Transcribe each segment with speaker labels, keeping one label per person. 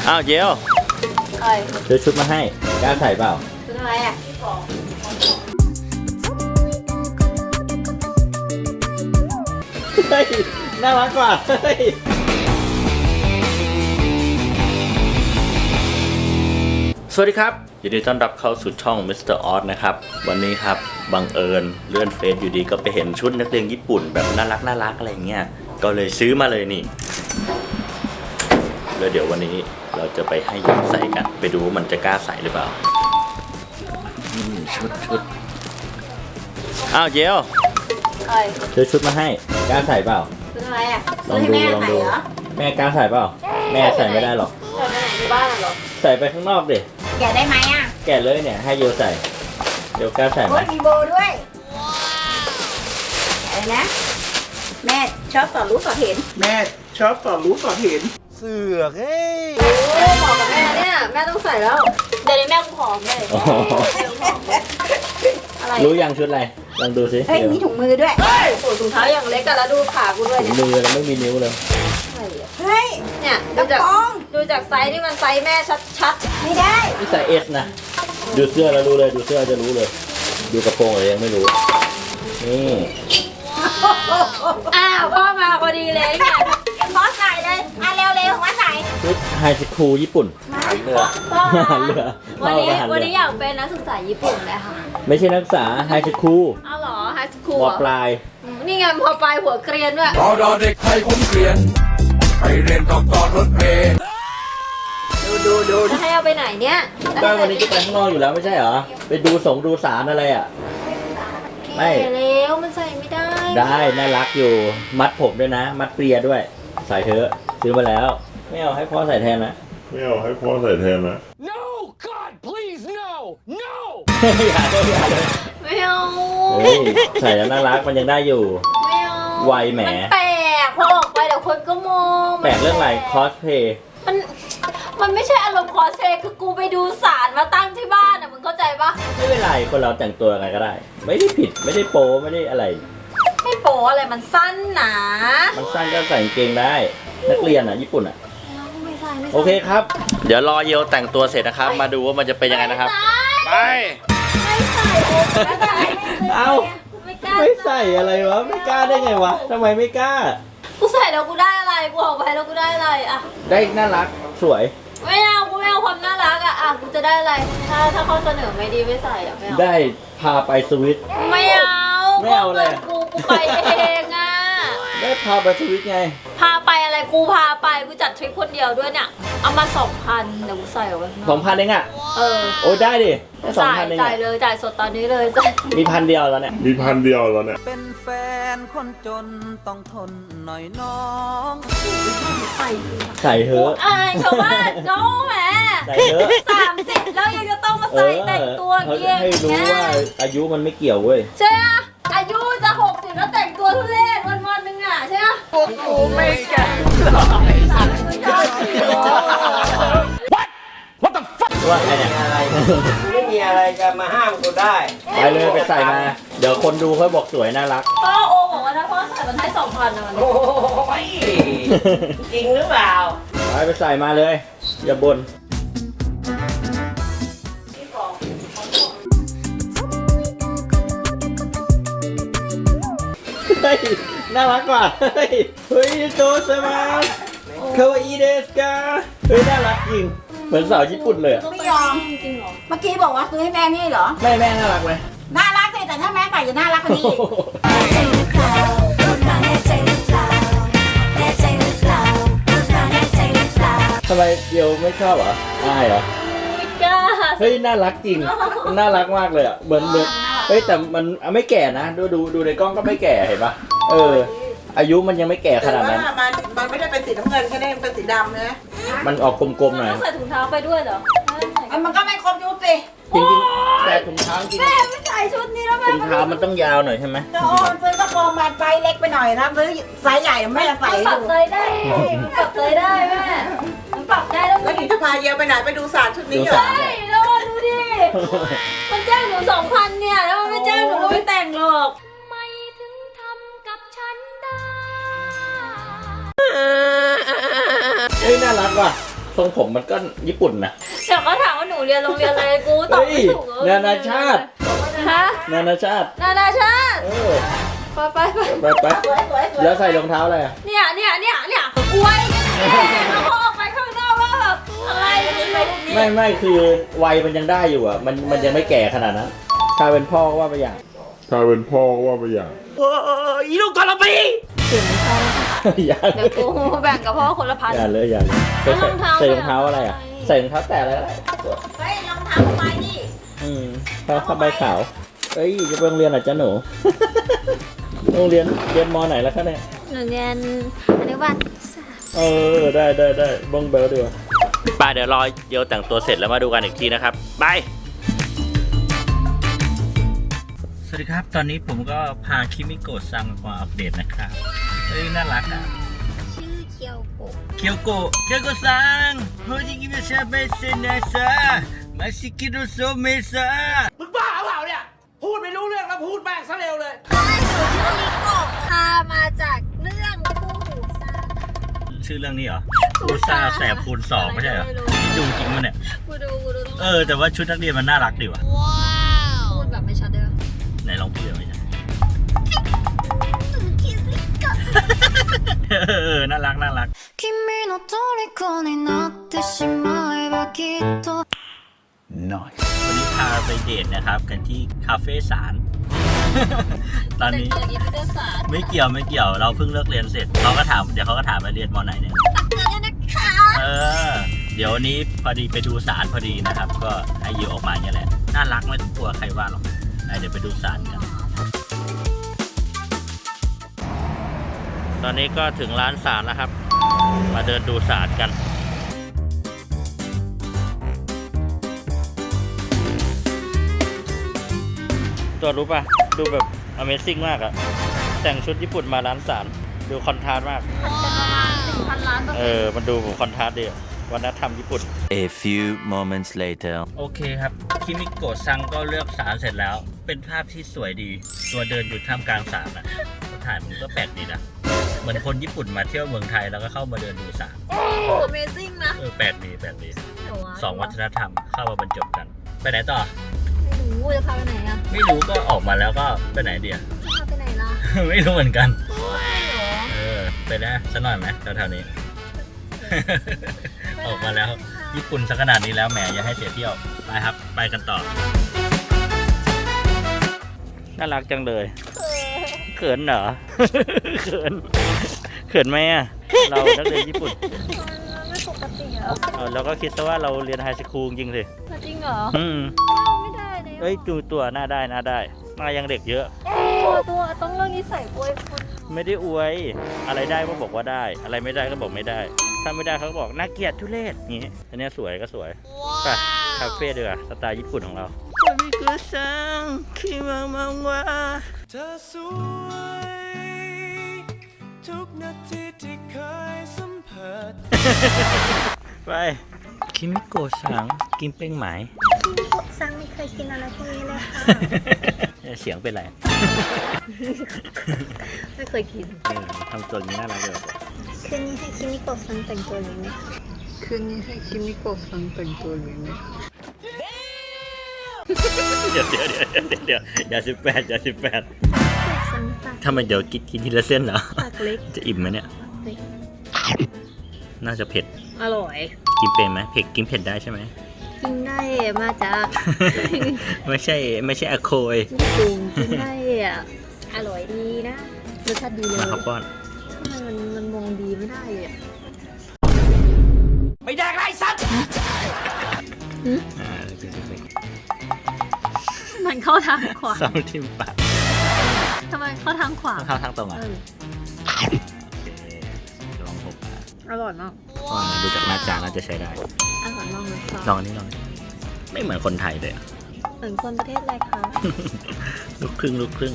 Speaker 1: อ้าวเจลซื้อชุดมาให้กล้าใส่เปล่า
Speaker 2: ชุดอะไรอ่ะ
Speaker 1: เฮ้ยน่ารักกว่าเฮ้ยสวัสดีครับยินดีต้อนรับเข้าสู่ช่อง Mr. Oz นะครับวันนี้ครับบังเอิญเลื่อนเฟซอยู่ดีก็ไปเห็นชุดนักเรียนญี่ปุ่นแบบน่ารักอะไรเงี้ยก็เลยซื้อมาเลยนี่แล้วเดี๋ยววันนี้เราจะไปให้ยกใส่กันไปดูว่ามันจะกล้าใส่หรือเปล่าชุดอ้าวเจลซื้อชุดมาให้กล้าใส่เปล่า
Speaker 2: ชุดอะไรอ่ะ
Speaker 1: ลองดูแม่กล้าใส่เปล่าแม่ใส่ไม่ได้หรอก
Speaker 2: ใส่ไปไหนในบ้านหรอ
Speaker 1: ใส่ไปข้างนอกดิ
Speaker 2: แกะได้ไหมอ่ะ
Speaker 1: แกะเลยเนี่ยให้โยใส่โยกล้าใส่ไหม
Speaker 2: มีโบด้วยอะไรนะแม่ชอบต่อรู้ต่อเห็น
Speaker 3: แม่ชอบต่อรู้ต่อเห็น
Speaker 1: เสือกเฮ้ย
Speaker 2: โอ้บอกกับแม่เนี่ยแม่ต้องใส่แล้วเดี๋ยวนี้แม่กูผอมเลย
Speaker 1: อะไรรู้ยังชุดอะไรลองดูสิ
Speaker 2: เฮ้ยมีถุงมือด้วยโอ้ถุงเท้าอย่างเล็กกันแล้วดูขากูด้วย
Speaker 1: ถุงมือแล้วไม่มีนิ้วเลย
Speaker 2: เฮ้ยเนี่ยดูจากไซส์ที่มันไซส์แม่ชัดๆไม่ได้
Speaker 1: นี่ใส่เอสนะดูเสื้อแล้วรู้เลยดูเสื้อจะรู้เลยดูกระโปรงอะไรยังไม่รู้นี่
Speaker 2: อ้าวพ่อมาพอดีเลยเนี่ยพ่อใส่เลยเร็วมาใส่
Speaker 1: ชุดไฮสคูลญี่ปุ่นหันเรือ
Speaker 2: วันนี้อยากเป็นนักศึกษาญี่ปุ่นเลยค่ะ
Speaker 1: ไม่ใช่นักศึกษาไฮสคูล
Speaker 2: อ้าวเหรอไฮสคูล
Speaker 1: ม.ปลาย
Speaker 2: นี่ไงม.ปลายหัวเกรียนด้วย
Speaker 4: รอเด็กไทยผมเกรียนไปเรียนต่อรถเมล์
Speaker 2: ดูให้เอาไปไหนเนี่ย
Speaker 1: ก็วันนี้จะไปข้างนอกอยู่แล้วไม่ใช่เหรอไปดูสารอะไรอ่ะ
Speaker 2: ไม่แล้วมันใส่ไม่ได้
Speaker 1: น่ารักอยู่มัดผมด้วยนะมัดเปรียด้วยใส่เถอะซื้อมาแล้วไม่เอาให้พ่อใส่แทนนะ
Speaker 4: ไม่เอาให้พ่อใส่แทนนะ
Speaker 5: No God please no
Speaker 1: อย่าเลย
Speaker 2: ไม่เอา
Speaker 1: ใส่แล้วน่ารักมันยังได้อยู่
Speaker 2: ไม่เอา
Speaker 1: ไวแหม
Speaker 2: แปลกพอออกไปเดี๋ยวคนก็มอง
Speaker 1: แปลกเรื่องอะไรคอสเพย์
Speaker 2: มันไม่ใช่อารมณ์คอสเพย์คือกูไปดูสารมาตั้งที่บ้านอ่ะมึงเข้าใจปะ
Speaker 1: ไม่เป็นไรคนเราแต่งตัวอะไรก็ได้ไม่ได้ผิดไม่ได้โป๊ไม่ได้อะไร
Speaker 2: ไม่โป๊อะไรมันสั้นหนา
Speaker 1: มันสั้นก็ใส่กางเกงได้นักเรียนอ่ะญี่ปุ่นอ่ะโอเคครับเดี๋ยวรอเยวแต่งตัวเสร็จนะครับมาดูว่ามันจะเป็นยังไงนะครับไป
Speaker 2: ไม่ใส่ไม่ใส่
Speaker 1: เอาไม่ใส่อะไรวะไม่กล้าได้ไงวะทำไมไม่กล้า
Speaker 2: กูใส่แล้วกูได้อะไรกูออกไปแล้วกูได้อะไรอะ
Speaker 1: ได้น่ารักสวย
Speaker 2: ไม่เอากูไม่เอาความน่ารักอะกูจะได้อะไรถ้าเขาเสนอไม่ดีไม่ใส่อะไม่เอา
Speaker 1: ได้พาไปสวิต
Speaker 2: ไม่เอา
Speaker 1: เลย
Speaker 2: กูไปเองอะ
Speaker 1: ได้พาไปสวิตไง
Speaker 2: พาไปอะไรกูพาไปกูจัดทริปคนเดียวด้วยเนี่ยเอามา 2,000เดี๋ยวกูใส่เอาไว้
Speaker 1: 2,000เองอะโอ้ได้ดิได้2,000เอง
Speaker 2: จ่ายเลยจ่ายสดตอนนี้เลย
Speaker 1: มี1,000เดียวแล้วเนี่ย
Speaker 5: เป็นแฟนคนจนต้องทนหน่อยน้อง
Speaker 1: ใส่เถอะ
Speaker 2: อายชาวบ้านเขาแหม
Speaker 1: ใส่เถอะ
Speaker 2: 30แล้วยังจะต้องมาใส่แต่งตัวเงี้ย
Speaker 1: ให้รู้ว่าอายุมันไม่เกี่ยวเว้ย
Speaker 2: ใช่ไหมอายุจะ60แล้วแต่งตัวทุเรศวันนึงอ่ะใช่ไหม
Speaker 5: กูไม่แก่
Speaker 1: What the fuck ว่าไงเนี่ย
Speaker 3: ไม่มีอะไรจะมาห้ามกูได้
Speaker 1: ไปเลยไปใส่มาเดี๋ยวคนดูเขาบอกสวยน่ารัก
Speaker 2: พ่อโอบอกว่าถ้าพ่อใส่มันให้ 2,000นะ
Speaker 3: โอ้ยจริงหรือเปล่า
Speaker 1: ไปใส่มาเลยอย่าบ่นเฮ้ยน่ารักกว่าเฮ้ยโจเซมาคาวาอิเดสกาเฮ้ยน่ารักจริงเหมือนสาวญี่ปุ่นเลย
Speaker 2: ไม่ยอมจริงเหรอเมื่อกี้บอกว่าซื้อให้แม่นี่เหรอ
Speaker 1: แม่น่ารักไหม
Speaker 2: น่ารักสิแต่ถ้าแม่ใส่จะน่ารักกว่านี้
Speaker 1: ทำไมเดียวไม่ชอบเหรออายเหรอเฮ้ยน่ารักจริงน่ารักมากเลยอ่ะเหมือนเฮ้ยแต่มันไม่แก่นะดูในกล้องก็ไม่แก่เห็นปะอายุมันยังไม่แก่ขนาดนั้น
Speaker 3: มันไม่ได้เป็นสีน้ำเงินแค่นี้เป็นสีดำนะ
Speaker 1: มันออกกลมๆหน่อย
Speaker 2: ต้องใส่ถุงเท้าไปด้วยเหรอมันก็ไม่ครบชุดสิ
Speaker 1: จริงๆแต่ถุงเท้าจริง
Speaker 2: แม่ไม่ใส่ชุดนี้แล้วแม่
Speaker 1: ถุงเท้ามันต้องยาวหน่อยใช่ไหม
Speaker 3: ซื้อกระโปรงมาไซส์เล็กไปหน่อยนะซื้อไซส์ใหญ่ไม่จะใส่
Speaker 2: ปรับไซส์ได้ปรับไซส์ได้แม่มันปรับได้แล้ว
Speaker 3: นี่จะพาเยลไปไหนไปดูศาสตร์ชุดนี้เหรอ
Speaker 2: ใช่แล้วดูดิมันจ้างหนู 2,000เนี่ยแล้วมันไม่จ้างหนูก็ไม่แต่งหรอกไม่ถึงทำกับฉันได้
Speaker 1: เฮ้ยน่ารักว่ะทรงผมมันก็ญี่ปุ่นนะ
Speaker 2: เดี๋ยวเขาถามว่าหนูเรียนโรงเรียนอะไรกูตอบไม่ถูก
Speaker 1: นานาชาติ
Speaker 2: ฮะ
Speaker 1: นานาชาติ
Speaker 2: นานาชาติ
Speaker 1: เออ
Speaker 2: ไป
Speaker 1: ไปแล้วใส่รองเท้าอะไรอ่ะ
Speaker 2: เนี่ยกล้วยแล้วพอออกไปข้างนอกว่าแบบอะไร
Speaker 1: ไม่คือวัยมันยังได้อยู่อ่ะมันยังไม่แก่ขนาดนั้นถ้าเป็นพ่อก็ว่าไปอย่าง
Speaker 4: ถ้าเป็นพ่อก็ว่าไปอย่าง
Speaker 1: อีลูกกอลปีอย่า
Speaker 2: เดี๋ยวกูแบ่งกับพ่อคนละพัน
Speaker 1: อย่าเลยใส่รองเท้าอะไรอ่ะใส่รองเท้าแตะอะไรก็ได้
Speaker 3: เฮ้ยรองเท้าทำไมนี่
Speaker 1: ผ้าใบขาวเอ้ยจะไปโรงเรียนเหรอจ๊ะหนู โรงเรียนมไหนแล้วคะเนี่ย
Speaker 2: หนูเรียนอนุบาล
Speaker 1: ได้บ้องเบลดีกว่าป้าเดี๋ยวรอเดี๋ยวแต่งตัวเสร็จแล้วมาดูกันอีกทีนะครับบายสวัสดีครับตอนนี้ผมก็พาคิมิโกะซังมาอัปเดตนะครับเอ้ยน่ารักอ่ะ
Speaker 2: ชื่อเคียวโกะ
Speaker 1: เคียวโกะซังโฮจิกิมิชาเบเซนะซะมาซิกิโดโซเมซะ
Speaker 6: มึงบ้าเปล่าเนี่ย พูดไม่รู้เรื่องแล้วพูดแม่งซะเร็วเลย
Speaker 2: พามาจากเรื่องคู่หูซ่า
Speaker 1: ชื่อเรื่องนี้เหรออูซ่าแสบคูณ2ไม่ใช่เหรอนี่ดูจริงมั้ยเนี่ย
Speaker 2: กูดู
Speaker 1: แต่ว่าชุดนักเรียนมันน่ารักดีว่ะ
Speaker 2: พูดแบบไม่ชัดเด้อ
Speaker 1: ไหนลองพูดหน่อยนะน่ารัก
Speaker 7: 君の虜になってしまえばきっと
Speaker 1: วันนี้พาไปเดทนะครับกันที่คาเฟ่สาร ตอนนี้
Speaker 2: แต่งตัวอย่างนี้ไม่ได้สาร
Speaker 1: ไม่เกี่ยวเราเพิ่งเลิกเรียนเสร็จเดี๋ยวเขาก็ถามมาเรียนมไหนเนี่ย
Speaker 2: ตักเตือนด้วยนะคะ
Speaker 1: เดี๋ยววันนี้พอดีไปดูสารพอดีนะครับ ก็ให้ยิวออกมาอย่างนี้แหละน่ารักไม่ต้องกลัวใครว่าหรอกเดี๋ยวไปดูสารกันตอนนี้ก็ถึงร้านสารแล้วครับมาเดินดูสารกันตัวรู้ป่ะดูแบบ Amazing มากอะแต่งชุดญี่ปุ่นมาร้านสารดูคอนทราสต์มาก
Speaker 2: 1,000 ล้าน
Speaker 1: มันดูแบบคอนทราสต์ดีอะวัฒนธรรมญี่ปุ่น
Speaker 8: A few moments later
Speaker 1: โอเคครับคิมิโกะซังก็เลือกสารเสร็จแล้วเป็นภาพที่สวยดีตัวเดินอยู่ท่ามกลางสารอะถ่ายมันก็แปลกดีนะเหมือนคนญี่ปุ่นมาเที่ยวเมืองไทยแล้วก็เข้ามาเดินดูสาร
Speaker 2: Amazing นะ
Speaker 1: แปลกดีสองวัฒนธรรมเข้ามาบรรจบกันไปไหนต่อ
Speaker 2: ไม่รู้จะพาไปไหนอะ
Speaker 1: ไม่รู้ก็ออกมาแล้วก็ไปไหนเดียว
Speaker 2: จะพาไปไหนล่ะ
Speaker 1: ไม่รู้เหมือนกัน
Speaker 2: เหรอ
Speaker 1: ไปนะสักหน่อยไหมแถวๆนี้ ออกมาแล้วญี่ปุ่นสักขนาดนี้แล้วแหมอย่าให้เสียเที่ยวไปครับไปกันต่อน่ารักจังเลยเขินเหรอ เขินไหมอ่ะเรานักเรียนญี่ปุ่น
Speaker 2: ไม่ปกติเหรอ
Speaker 1: เราก็คิดซะว่าเราเรียนไฮสคูลจริงสิ
Speaker 2: จริงเหรอ ไม่ได้เลย
Speaker 1: เอ้ยดูตัวหน้าได้หน้ายังเด็กเยอะ
Speaker 2: ตัวต้องเรื่องนิสัยอวยคน
Speaker 1: ไม่ได้อวยอะไรได้ก็บอกว่าได้ อะไรไม่ได้ก็บอกไม่ได้ ถ้าไม่ได้เขาก็บอกน่าเกลียดทุเรศอย่างนี้อันนี้สวยก็สวยไปคาเฟ่ดีกว่าสไตล์ญี่ปุ่นของเรามิกุซังคิมามังวะ
Speaker 5: เธอสวยทุกนาทีที่เคยสัมผัส
Speaker 1: ไปคิมิโกะซังกินเป้งไหม
Speaker 2: ซังไม่เคยกินอะไรพวกนี้เลยค่ะ
Speaker 1: เสียงเป็นไร
Speaker 2: ไม่เคยกิน
Speaker 1: ทำตัวนี้น่ารักเลย
Speaker 2: คืนนี้ให้คิมิโกะซังแต่งตัวนี้ไหม
Speaker 3: คืนนี้ให้คิมิโกะซังแต่งตัวหรือไม่
Speaker 1: เดี๋ยวอย่า18
Speaker 2: ซังปาก
Speaker 1: ทำไมเดี๋ยวกินทีละเส้นเหรอ
Speaker 2: ปากเล็ก
Speaker 1: จะอิ่มไหมเนี่ย
Speaker 2: เล็ก
Speaker 1: น่าจะเผ็ด
Speaker 2: อร่อย
Speaker 1: กินเป็นไหมกินเผ็ดได้ใช่ไหม
Speaker 2: กินได้มาจาก
Speaker 1: ไม่ใช่อะโคย
Speaker 2: ญี่ปุ่นกินได้อ่ะอร่อยดีนะรสชาติดีเลย
Speaker 1: มาครับป้อน
Speaker 2: ทำไมมันมองดีไม่ได้เลยอ่ะ
Speaker 6: ไม่แดกไรสัตว์
Speaker 2: มันเข้าทางขวา
Speaker 1: ซ้ำทิมปาก
Speaker 2: ทำไมเข้าทางขวา
Speaker 1: เข้าทางตรงอ่ะ
Speaker 2: เออ
Speaker 1: โอเคลองหกอ่ะ
Speaker 2: อร่อยมาก
Speaker 1: ดูจากหน้าจาน่าจะใช้ได้
Speaker 2: อร่อยมากเลยค่ะ
Speaker 1: ลองนี่ไม่เหมือนคนไทยเลยอ่ะ
Speaker 2: เหมือนคนประเทศอะไรคะ
Speaker 1: ลูกครึ่ง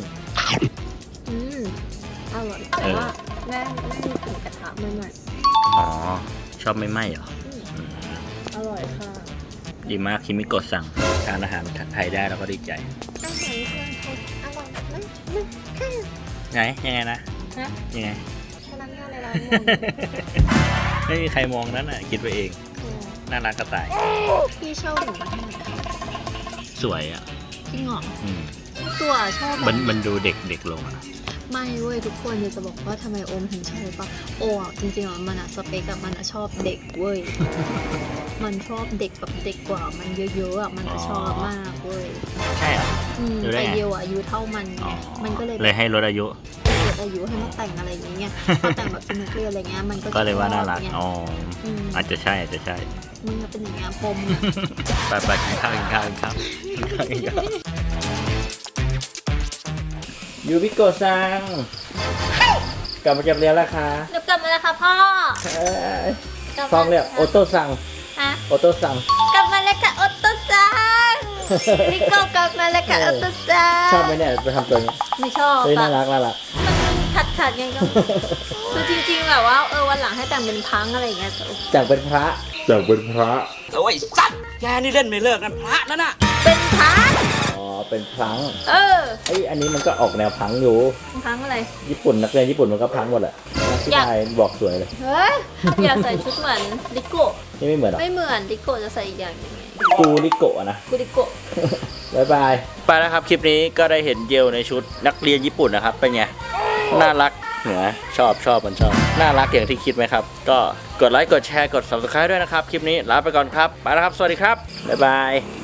Speaker 2: อร่อยแต่ว่าแม่มีกลิ่นกระทะใหม่
Speaker 1: อ๋อชอบไม่ไหม้เหรอ
Speaker 2: ๆอร่อยค่ะ
Speaker 1: ดีมากคิมิโกะสั่งทานอาหารไทยได้เราก็ดีใจ
Speaker 2: อาหารเพื่อนเขาอร่อยมากแค่
Speaker 1: ไงยังไงนะ
Speaker 2: ฮะ
Speaker 1: ยังไง
Speaker 2: พนักงานในร้านมอง
Speaker 1: ไม่มีใครมองนั้นอ่ะคิดไปเอง
Speaker 2: โอ้
Speaker 1: น่ารักกระต่าย
Speaker 2: พี่ชอบหนูมาให้หน่อย
Speaker 1: สวยอ่ะ
Speaker 2: จริงเหรอ
Speaker 1: อืม
Speaker 2: ตัวชอบ
Speaker 1: มันดูเด็กลงอะ
Speaker 2: ไม่เว้ยทุกคนจะบอกว่าทำไมโอมถึงชอบปะโออ่ะจริงๆอ่ะมันอ่ะสเปกอ่ะมันอ่ะชอบเด็กเว้ย มันชอบเด็กแบบเด็กกว่ามันเยอะๆอ่ะมันอ่ะชอบมากเว้ย
Speaker 1: ใช่เหรอ ดูได้
Speaker 2: แต่
Speaker 1: ไง
Speaker 2: เดียวอ่ะอายุเท่ามันไงมันก็เลย
Speaker 1: เลยให้ลดอายุ
Speaker 2: เกิดอายุให้มาแต่งอะไรอย่างเงี้ยพอแต่งแบบชุดนักเรียนอะไรเงี้ยมันก็
Speaker 1: ก็เลยว่าน่ารัก
Speaker 2: ชอบไง
Speaker 1: อ๋อ
Speaker 2: ม
Speaker 1: อาจจะใช่อาจจะใช่
Speaker 2: มึงอะเป็นอย่างเงี้ยปม
Speaker 1: ไปกินข้าวยูบิโกะซังกลับมาจากเรียนแล้วค่ะ
Speaker 2: เดี๋ยวกลับมาแล้วค่ะพ่อ
Speaker 1: ฟังเรียกโอโต้ซัง
Speaker 2: ฮะ
Speaker 1: โอโต้ซัง
Speaker 2: กลับมาแล้วค่ะโอตโตซังนิโก้กลับมาแล้วค่ะโอตโตซัง
Speaker 1: ชอบไหมเนี่ยไปทำตัวนี้
Speaker 2: ไม่ชอบ
Speaker 1: เฮ้ยน่า
Speaker 2: อะ
Speaker 1: รัก
Speaker 2: มันขัดไงก็คือจริงๆแบบว่าวันหลังให้แต่งเป็นพังอะไรอย่างเงี้ย
Speaker 1: จากเป็นพระ
Speaker 6: โอ้ยสัตว์แกนี่เล่นไม่เลิกกันพระนั่นน่ะ
Speaker 2: เป็นพัง
Speaker 1: อ๋อเป็นพลัง
Speaker 2: เ
Speaker 1: อันนี้มันก็ออกแนวพังอยู่
Speaker 2: พังอะไร
Speaker 1: ญี่ปุ่นนักเรียนญี่ปุ่นมันก็พังหมดแหละนักที่
Speaker 2: อยาก
Speaker 1: นายบอกสวยเลย
Speaker 2: เฮ้ยอยากใส่ชุดเหมือนดิโกะ
Speaker 1: นี่ไม่เหมือนหรอ
Speaker 2: ไม่เหมือนดิโกะจะใส่อีกอย่างหนึงไง
Speaker 1: กูริโกะนะ
Speaker 2: กูดิโกะ
Speaker 1: บายบาย ไปแล้วครับคลิปนี้ก็ได้เห็นเยลในชุดนักเรียนญี่ปุ่นนะครับเป็นไงน่ารักเหนือชอบมันชอบน่ารักอย่างที่คิดไหมครับ ก็กดไลค์กดแชร์กด subscribe ด้วยนะครับคลิปนี้ลาไปก่อนครับไปแล้วครับสวัสดีครับบ๊ายบาย